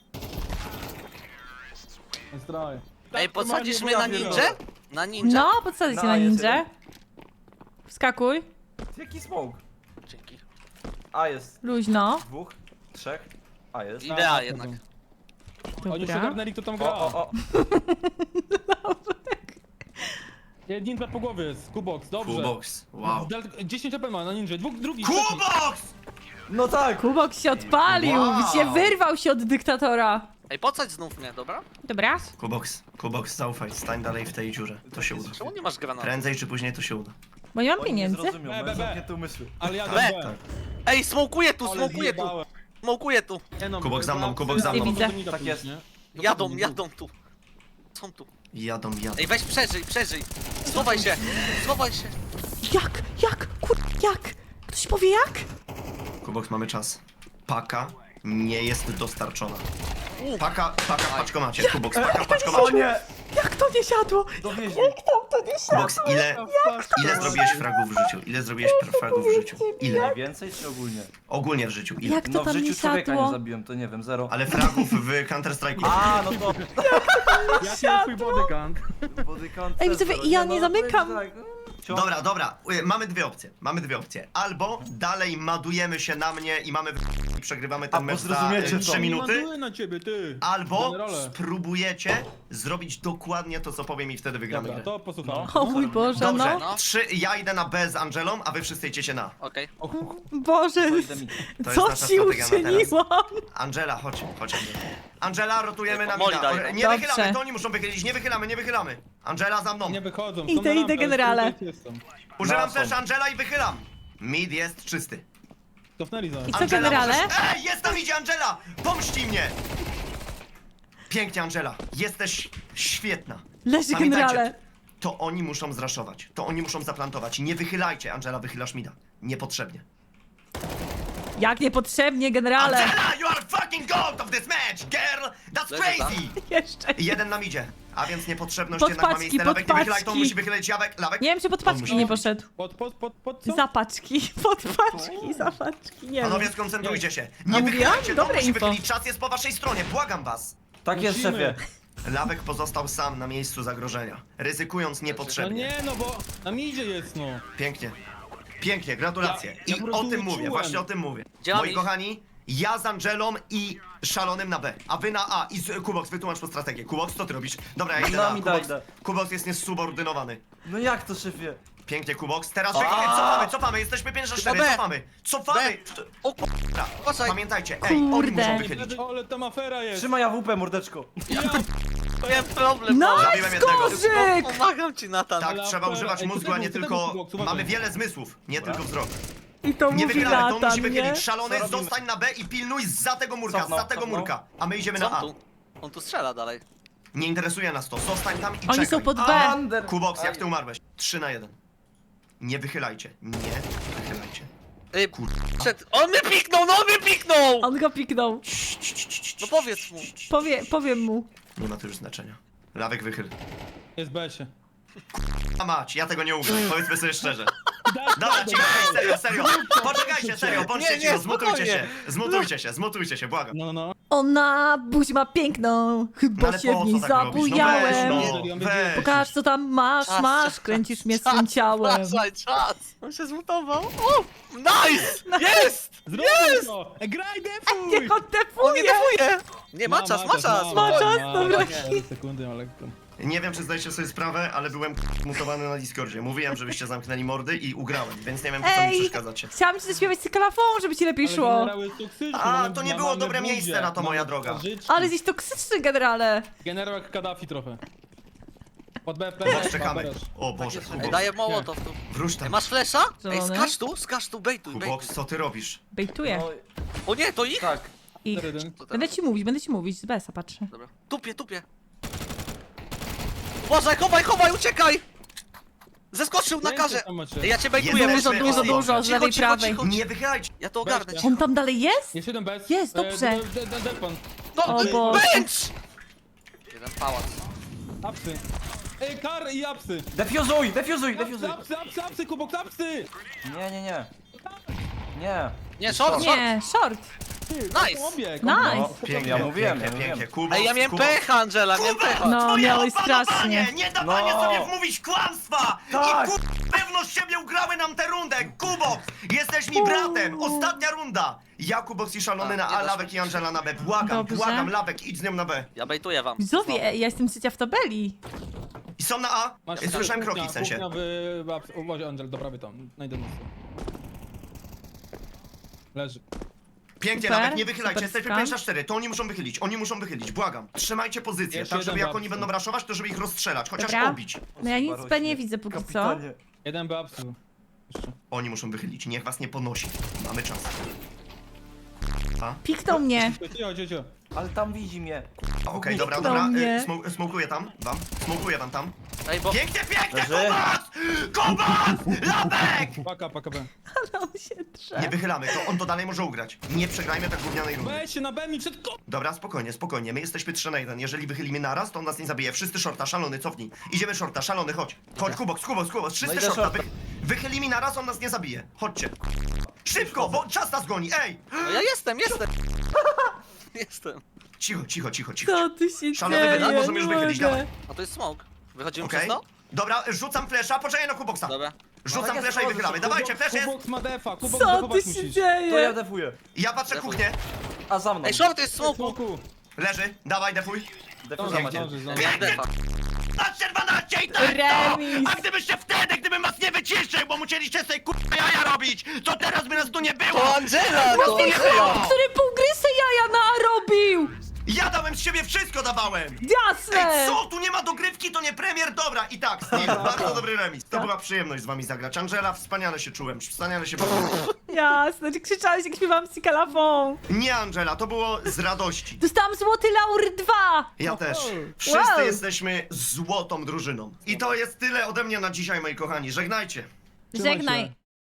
Speaker 4: Zdraj.
Speaker 5: Ej, podsadzisz
Speaker 1: to
Speaker 5: mnie na
Speaker 1: ja
Speaker 5: ninja?
Speaker 1: pierdolę.
Speaker 5: Na ninja?
Speaker 3: No, podsadzić
Speaker 1: No,
Speaker 3: się na
Speaker 1: jest
Speaker 3: ninja.
Speaker 1: jeden.
Speaker 3: Wskakuj.
Speaker 1: Jaki smoke?
Speaker 5: Dzięki.
Speaker 1: A jest
Speaker 3: Luźno.
Speaker 1: dwóch, trzech. A jest.
Speaker 5: Idea
Speaker 4: A,
Speaker 5: jednak.
Speaker 4: Oni już
Speaker 3: Dobra.
Speaker 4: ogarnęli, kto tam
Speaker 1: O,
Speaker 4: gra.
Speaker 1: o, o.
Speaker 4: Ninja po głowie jest, Kubox, dobrze.
Speaker 2: Kubox, wow.
Speaker 4: Del- dziesięć A P ma na ninja, dwóch, drugi, trzeci.
Speaker 2: Kubox!
Speaker 1: No tak!
Speaker 3: Kubok się odpalił,
Speaker 2: Wow.
Speaker 3: się wyrwał się od dyktatora.
Speaker 5: Ej, podsadź znów mnie, dobra?
Speaker 3: Dobra.
Speaker 2: Kubox, Kubox, zaufaj, stań dalej w tej dziurze. To się uda.
Speaker 5: Czemu nie masz granatu?
Speaker 2: Prędzej czy później to się uda.
Speaker 3: Bo nie mam
Speaker 1: Oni nie
Speaker 3: pieniędzy.
Speaker 1: zrozumią,
Speaker 4: B,
Speaker 1: mają
Speaker 4: B, B.
Speaker 1: zamknięte umysły.
Speaker 4: Ale ja
Speaker 5: B.
Speaker 4: B.
Speaker 5: Ej, smokuję tu,
Speaker 4: Ale
Speaker 5: smokuję tu!
Speaker 4: zjebałem.
Speaker 5: Smokuję tu!
Speaker 4: Nie no,
Speaker 2: Kubok za mną,
Speaker 4: ja-
Speaker 2: kubok za
Speaker 3: mną.
Speaker 4: Nie
Speaker 3: Widzę.
Speaker 4: widzę.
Speaker 1: Tak jest.
Speaker 5: Jadą, jadą tu. Są tu.
Speaker 2: Jadą, jadą.
Speaker 5: Ej, weź przeżyj, przeżyj! Schowaj się! Schowaj się!
Speaker 3: Jak? Jak? Kur... Jak? Ktoś powie jak?
Speaker 2: Kubox, mamy czas. Paka nie jest dostarczona. Paka, paka w paczkomacie. Kubox, paka w
Speaker 1: O
Speaker 2: paczkomacie.
Speaker 1: nie!
Speaker 3: Jak to nie siadło?
Speaker 1: Dowieźli.
Speaker 2: Kubox, ile, ile zrobiłeś fragów w życiu? Ile zrobiłeś fragów w życiu? Ile?
Speaker 1: Więcej czy ogólnie?
Speaker 2: Ogólnie w życiu, ile?
Speaker 3: Jak to
Speaker 1: No w
Speaker 3: tam nie
Speaker 1: życiu człowieka nie
Speaker 3: siadło?
Speaker 1: zabiłem, to nie wiem, zero.
Speaker 2: Ale fragów w Counter Strike'u.
Speaker 1: A, no to...
Speaker 4: Jaki jest twój bodyguard?
Speaker 1: Bodykant
Speaker 3: Ej, widzowie,
Speaker 1: zero.
Speaker 3: ja
Speaker 1: no,
Speaker 3: nie
Speaker 1: no,
Speaker 3: zamykam.
Speaker 1: to jest tak, ciąg-
Speaker 2: Dobra, dobra, y, mamy dwie opcje. Mamy dwie opcje. Albo dalej madujemy się na mnie i mamy w- i przegrywamy ten
Speaker 1: A, bo
Speaker 2: mecz za
Speaker 1: zrozumiecie
Speaker 2: y,
Speaker 1: to.
Speaker 2: trzy minuty.
Speaker 4: Ładuję na ciebie, ty.
Speaker 2: Albo
Speaker 4: Generale.
Speaker 2: spróbujecie zrobić dokładnie to, co powiem i wtedy wygramy
Speaker 4: Dobra,
Speaker 2: grę.
Speaker 4: to posłucham.
Speaker 3: O mój Boże,
Speaker 2: Dobrze,
Speaker 3: no.
Speaker 5: No.
Speaker 2: trzy, ja idę na B z Angelą, a wy wszyscy idziecie na.
Speaker 5: Okej.
Speaker 3: Boże,
Speaker 1: To idę mi.
Speaker 2: To
Speaker 3: co
Speaker 2: jest nasza
Speaker 3: ci
Speaker 2: strategia na teraz.
Speaker 3: uczyniłam?
Speaker 2: Angela, chodź, chodź Angela. Angela, rotujemy
Speaker 5: Ej,
Speaker 2: na
Speaker 5: Moli
Speaker 2: mida.
Speaker 5: daj,
Speaker 2: O,
Speaker 5: no.
Speaker 2: Nie
Speaker 3: Dobrze.
Speaker 2: wychylamy, to oni muszą wychylić, nie wychylamy, nie wychylamy. Angela za mną.
Speaker 4: Nie wychodzą.
Speaker 3: Idę,
Speaker 4: są na
Speaker 3: idę,
Speaker 4: rampę,
Speaker 3: generale.
Speaker 4: ale jestem.
Speaker 2: Używam
Speaker 1: No,
Speaker 2: też
Speaker 1: są.
Speaker 2: Angela i wychylam. Mid jest czysty.
Speaker 4: Cofnęli za
Speaker 3: I co,
Speaker 2: Angela,
Speaker 3: generale?
Speaker 2: możesz... Ej, jest tam idzie Angela! Pomści mnie! Pięknie, Angela. Jesteś świetna.
Speaker 3: Leży
Speaker 2: Pamiętajcie,
Speaker 3: generale.
Speaker 2: to oni muszą zraszować. To oni muszą zaplantować. Nie wychylajcie, Angela, wychylasz mida. Niepotrzebnie.
Speaker 3: Jak niepotrzebnie, generale.
Speaker 2: Angela, you are fucking goat of this match, girl! That's
Speaker 5: Leży tam.
Speaker 2: crazy!
Speaker 3: Jeszcze.
Speaker 2: I jeden nam idzie. A więc niepotrzebność jednak ma
Speaker 3: Podpaczki,
Speaker 2: miejsce. Lawek nie wychylaj, to
Speaker 3: podpaczki.
Speaker 2: musi wychylać Jawek. Lawek.
Speaker 3: Nie wiem, czy pod paczki
Speaker 2: musi
Speaker 3: nie
Speaker 2: robić.
Speaker 3: poszedł.
Speaker 4: Pod, pod, pod, pod co?
Speaker 3: Zapaczki, pod paczki, zapaczki, nie
Speaker 2: Panowie,
Speaker 3: wiem.
Speaker 2: skoncentrujcie się.
Speaker 3: A
Speaker 2: Nie
Speaker 3: mówiłam?
Speaker 2: wychylajcie, to
Speaker 3: Dobre
Speaker 2: musi
Speaker 3: info.
Speaker 2: wychylić. Czas jest po waszej stronie, błagam was.
Speaker 1: Tak jest,
Speaker 4: Musimy.
Speaker 1: szefie.
Speaker 2: Lawek pozostał sam na miejscu zagrożenia, ryzykując
Speaker 4: No
Speaker 2: niepotrzebnie.
Speaker 4: nie, no bo na midzie jest, no.
Speaker 2: Pięknie. Pięknie, gratulacje.
Speaker 4: Ja- ja
Speaker 2: I
Speaker 4: po
Speaker 2: o
Speaker 4: prostu
Speaker 2: tym mówię,
Speaker 4: czułem.
Speaker 2: właśnie o tym mówię.
Speaker 5: Gdzie mam
Speaker 2: Moi
Speaker 5: iść?
Speaker 2: kochani, ja z Angelą i Szalonym na B, a wy na A. I z, Kubox, wytłumacz po strategię. Kubox, co ty robisz? Dobra, ja idę
Speaker 1: No,
Speaker 2: na A.
Speaker 1: mi daj,
Speaker 2: Kubox,
Speaker 1: daj.
Speaker 2: Kubox jest niesubordynowany.
Speaker 1: No jak to, szefie?
Speaker 2: Pięknie, Kubox. Teraz wychyl, cofamy, cofamy, jesteśmy pięć na cztery,
Speaker 5: B.
Speaker 2: cofamy. Cofamy!
Speaker 5: O
Speaker 2: Dobra,
Speaker 5: Uważaj.
Speaker 2: Pamiętajcie, ej, oni
Speaker 3: Kurde.
Speaker 2: muszą wychylić.
Speaker 4: Ale tam afera jest.
Speaker 1: Trzymaj A W P, mordeczko.
Speaker 5: Miałem problem.
Speaker 3: No,
Speaker 2: Zabiłem jednego.
Speaker 3: Korzyk!
Speaker 5: Pomagam ci, Natan.
Speaker 2: Tak,
Speaker 4: Ale
Speaker 2: trzeba
Speaker 4: afera.
Speaker 2: używać
Speaker 4: Ej,
Speaker 2: mózgu,
Speaker 4: tego,
Speaker 2: a nie
Speaker 4: tego,
Speaker 2: tylko...
Speaker 4: Kubox, uważaj.
Speaker 2: Mamy wiele zmysłów, nie tylko wzrok.
Speaker 3: I to
Speaker 2: Nie
Speaker 3: mówi
Speaker 2: wychylamy, to on musi
Speaker 3: Natan, nie?
Speaker 2: wychylić. Szalony,
Speaker 1: Co robimy?
Speaker 2: zostań na B i pilnuj za tego murka,
Speaker 1: Cofnął,
Speaker 2: za tego
Speaker 1: cofnął.
Speaker 2: murka. A my idziemy
Speaker 5: Co
Speaker 2: na A.
Speaker 5: on tu? On tu strzela dalej.
Speaker 2: Nie interesuje nas to, zostań tam i
Speaker 3: Oni
Speaker 2: czekaj.
Speaker 3: są pod B.
Speaker 1: Under.
Speaker 2: Kubox, jak ty umarłeś? trzy na jeden. Nie wychylajcie, nie wychylajcie.
Speaker 5: Ej, przed... On mnie piknął, no on mnie piknął!
Speaker 3: On go piknął.
Speaker 5: No powiedz mu.
Speaker 3: Powie, powiem mu.
Speaker 2: Nie ma to już znaczenia. Lawek wychyl.
Speaker 4: Jest B się.
Speaker 2: A mać, ja tego nie ugram, powiedzmy sobie szczerze.
Speaker 4: Daj,
Speaker 2: Dobra,
Speaker 4: daj,
Speaker 2: cicho,
Speaker 4: daj.
Speaker 2: ej, serio, serio. Poczekajcie, serio, bądźcie
Speaker 5: Nie, nie,
Speaker 2: cicho, zmutujcie
Speaker 5: spokojnie.
Speaker 2: się. Zmutujcie się, zmutujcie się, błagam.
Speaker 4: No, no, no.
Speaker 3: Ona buzi ma piękną,
Speaker 2: No
Speaker 3: chyba
Speaker 2: ale
Speaker 3: się
Speaker 2: po
Speaker 3: w niej
Speaker 2: co tak robisz? No weź,
Speaker 3: zabujałem.
Speaker 2: no, weź.
Speaker 3: Pokaż co tam masz,
Speaker 5: Czas,
Speaker 3: masz,
Speaker 5: czas,
Speaker 3: kręcisz mnie
Speaker 5: czas,
Speaker 3: swym ciałem.
Speaker 5: Uważaj, czas! On się zmutował. O! Nice! Jest!
Speaker 4: Zrób to! E, Graj, defuj!
Speaker 3: Niech on
Speaker 5: On nie
Speaker 3: defuje!
Speaker 5: defuje! Nie, ma czas, ma czas!
Speaker 3: Ma czas,
Speaker 5: spokojnie.
Speaker 3: dobra.
Speaker 4: cztery sekundy, ma lekko.
Speaker 2: Nie wiem, czy zdajecie sobie sprawę, ale byłem mutowany na Discordzie. Mówiłem, żebyście zamknęli mordy i ugrałem, więc nie wiem, po co mi
Speaker 3: Ej,
Speaker 2: przeszkadzacie.
Speaker 3: chciałam ci zaśpiewać cyklafon, żeby ci lepiej
Speaker 4: Ale
Speaker 3: szło.
Speaker 4: generał jest toksyczny,
Speaker 2: A,
Speaker 4: mamy-
Speaker 2: to nie
Speaker 4: ma-
Speaker 2: było
Speaker 4: mamy
Speaker 2: dobre
Speaker 4: buzię,
Speaker 2: miejsce na to,
Speaker 4: mamy
Speaker 2: moja droga.
Speaker 4: twarzyczki.
Speaker 3: Ale jesteś toksyczny generale.
Speaker 4: Generał jak Kaddafi trochę. Pod B, B,
Speaker 2: Teraz czekamy. O Boże,
Speaker 5: Ej,
Speaker 2: Kubox,
Speaker 5: daję mołotow tu.
Speaker 2: wróć
Speaker 5: Ej,
Speaker 2: tam.
Speaker 5: masz flesza? Ej,
Speaker 3: Zielony.
Speaker 5: skacz tu, skacz tu, bejtuj, bejtuj.
Speaker 2: Kubox, co ty robisz?
Speaker 3: Bejtuję
Speaker 1: No,
Speaker 5: O nie, to ich?
Speaker 1: tak.
Speaker 3: ich.
Speaker 4: cztery jeden.
Speaker 3: Będę ci mówić, będę ci mówić, z B S a patrzę.
Speaker 5: Dobra. Tupie, tupie. Uważaj, chowaj, chowaj, uciekaj! Zeskoczył na karze!
Speaker 4: Tam macie.
Speaker 5: Ej, ja cię bejtuję,
Speaker 2: Jesteśmy
Speaker 3: Dużo, dużo,
Speaker 2: ostro.
Speaker 3: dużo, z
Speaker 5: Cicho,
Speaker 3: lewej,
Speaker 5: cicho,
Speaker 3: prawej.
Speaker 5: cicho.
Speaker 2: Nie wychylajcie.
Speaker 5: Ja to ogarnę.
Speaker 4: Weź
Speaker 5: cicho.
Speaker 3: On tam dalej jest?
Speaker 4: Jest jeden bez.
Speaker 3: Jest, dobrze.
Speaker 4: E, de- de- de- Depan.
Speaker 5: No,
Speaker 3: O Boże.
Speaker 5: bench! Jeden pałac.
Speaker 4: Apsy. Ej, kar i apsy.
Speaker 1: Defuzuj, defuzuj,
Speaker 4: Apsy,
Speaker 1: defuzuj.
Speaker 4: apsy, apsy, apsy, kubok, apsy!
Speaker 1: Nie, nie, nie. Nie.
Speaker 5: Nie, short, short.
Speaker 3: Nie, short.
Speaker 5: Nice.
Speaker 4: Obieg,
Speaker 3: Nice.
Speaker 4: obieg.
Speaker 1: No,
Speaker 2: Pięknie,
Speaker 1: ja mówiłem,
Speaker 2: pięknie,
Speaker 1: ja
Speaker 2: pięknie.
Speaker 1: mówiłem.
Speaker 2: Kubox,
Speaker 5: Ej, ja miałem
Speaker 2: Kubox.
Speaker 5: pecha, Angela, miałem pecha.
Speaker 3: No,
Speaker 2: Twoje
Speaker 3: miałeś
Speaker 2: opanowanie,
Speaker 3: strasznie.
Speaker 2: Nie dawanie
Speaker 1: No.
Speaker 2: sobie wmówić kłamstwa!
Speaker 1: Tak.
Speaker 2: I kur... pewność siebie ugrały nam tę rundę! Kubox! Jesteś mi bratem! Ostatnia runda! Ja, Kubox i Szalony
Speaker 5: Tak,
Speaker 2: na
Speaker 5: nie
Speaker 2: A,
Speaker 5: dasz
Speaker 2: Lawek i Angela na B. Błagam,
Speaker 3: Dobrze.
Speaker 2: błagam, Lawek, idź z nią na B.
Speaker 5: Ja bejtuję wam.
Speaker 3: Widzowie, ja jestem trzecia w tabeli.
Speaker 2: I są na A?
Speaker 4: Masz
Speaker 2: Słyszałem
Speaker 4: kuchnia,
Speaker 2: kroki w sensie.
Speaker 4: Kuchnia w... w apsy. Uważaj, Angel, do prawej tam. Najdę mocno. Leży.
Speaker 2: Pięknie,
Speaker 3: Super,
Speaker 2: Lawek, nie wychylajcie,
Speaker 3: super
Speaker 2: jesteśmy
Speaker 3: skan.
Speaker 2: pięć na cztery, to oni muszą wychylić, oni muszą wychylić, błagam. Trzymajcie pozycję,
Speaker 4: Jeszcze
Speaker 2: tak żeby
Speaker 4: jeden
Speaker 2: jak oni
Speaker 4: babce.
Speaker 2: będą raszować, to żeby ich rozstrzelać, chociaż
Speaker 3: Dobra.
Speaker 2: obić.
Speaker 3: No ja nic B nie widzę póki co.
Speaker 1: Kapitanie.
Speaker 4: Jeden B apsy. Jeszcze.
Speaker 2: Oni muszą wychylić, niech was nie ponosi. Mamy czas. A?
Speaker 3: Piknął mnie.
Speaker 4: Cicho, cicho, cicho.
Speaker 1: Ale tam widzi mnie.
Speaker 2: Okej, dobra,
Speaker 3: Piknął
Speaker 2: dobra,
Speaker 3: mnie.
Speaker 2: y, smu- smokuję tam, wam, smokuję wam tam.
Speaker 5: Ej, bo...
Speaker 2: Pięknie, pięknie,
Speaker 1: Leży.
Speaker 2: Kubac! Kubac! Lawek!
Speaker 4: Paka, paka B.
Speaker 3: Ale on się drze.
Speaker 2: Nie wychylamy, to on to dalej może ugrać. Nie przegrajmy tak gównianej rundy.
Speaker 4: Weź się na B mi przed ko...
Speaker 2: Dobra, spokojnie, spokojnie, my jesteśmy trzy na jeden. Jeżeli wychylimy naraz, to on nas nie zabije. Wszyscy shorta, Szalony, cofnij. Idziemy shorta, Szalony, chodź. Chodź, Kubox, Kubox, Kubox, wszyscy
Speaker 1: No idę
Speaker 2: shorta. Wy...
Speaker 1: shorta.
Speaker 2: Wychyli mi naraz, on nas nie zabije. Chodźcie. Szybko, bo czas nas goni, ej!
Speaker 5: No ja jestem, jestem. Jestem.
Speaker 2: Cicho, cicho, cicho, cicho.
Speaker 3: Co tu się
Speaker 2: Szalony,
Speaker 3: dzieje?
Speaker 2: wyda- możemy już
Speaker 3: Nie
Speaker 2: wychylić,
Speaker 3: mogę.
Speaker 2: dawaj.
Speaker 5: A to jest smoke. Wychodzimy
Speaker 2: Okej?
Speaker 5: przez to?
Speaker 2: Dobra, rzucam flesza, poczekaj na Kuboxa.
Speaker 5: Dobra.
Speaker 2: Rzucam
Speaker 1: No tak
Speaker 2: flesza i
Speaker 1: jest,
Speaker 2: wychylamy.
Speaker 1: Kubox,
Speaker 2: Dawajcie, flesz jest!
Speaker 4: Kubok ma defa, kubok
Speaker 3: Co tu
Speaker 4: defować
Speaker 3: się
Speaker 4: musisz.
Speaker 1: To ja
Speaker 3: dzieje?
Speaker 1: defuję.
Speaker 2: Ja patrzę
Speaker 5: Defuj.
Speaker 2: kuchnię.
Speaker 1: A za mną.
Speaker 5: Ej, short jest smoku.
Speaker 4: Smoku.
Speaker 2: Leży, dawaj, defuj.
Speaker 1: Defuza
Speaker 4: Zdąży,
Speaker 1: macie.
Speaker 4: zdąży, zdąży.
Speaker 5: Miałem defa.
Speaker 2: dwanaście dwanaście i tak
Speaker 3: Remis.
Speaker 2: to! A gdybyście wtedy, gdybym was nie wyciszył, bo musieliście sobie kurwa jaja robić, to teraz by nas tu nie było!
Speaker 5: To Angela, to
Speaker 2: nie
Speaker 5: Angela.
Speaker 2: było!
Speaker 3: Który pół gry se jaja narobił!
Speaker 2: Ja dałem z siebie wszystko, dawałem!
Speaker 3: Jasne!
Speaker 2: Ej, co? Tu nie ma dogrywki, to nie premier, dobra. I tak, Steve, bardzo dobry remis. To była przyjemność z wami zagrać. Angela, wspaniale się czułem, wspaniale się bawiłem.
Speaker 3: Jasne, ty krzyczałeś jak śpiewam cykalafon.
Speaker 2: Nie, Angela, to było z radości.
Speaker 3: Dostałam złoty laur dwa!
Speaker 2: Ja też.
Speaker 4: Wow.
Speaker 2: Wszyscy
Speaker 3: Wow.
Speaker 2: jesteśmy złotą drużyną. I to jest tyle ode mnie na dzisiaj, moi kochani. Żegnajcie.
Speaker 4: Trzymaj
Speaker 3: Żegnaj.
Speaker 4: się.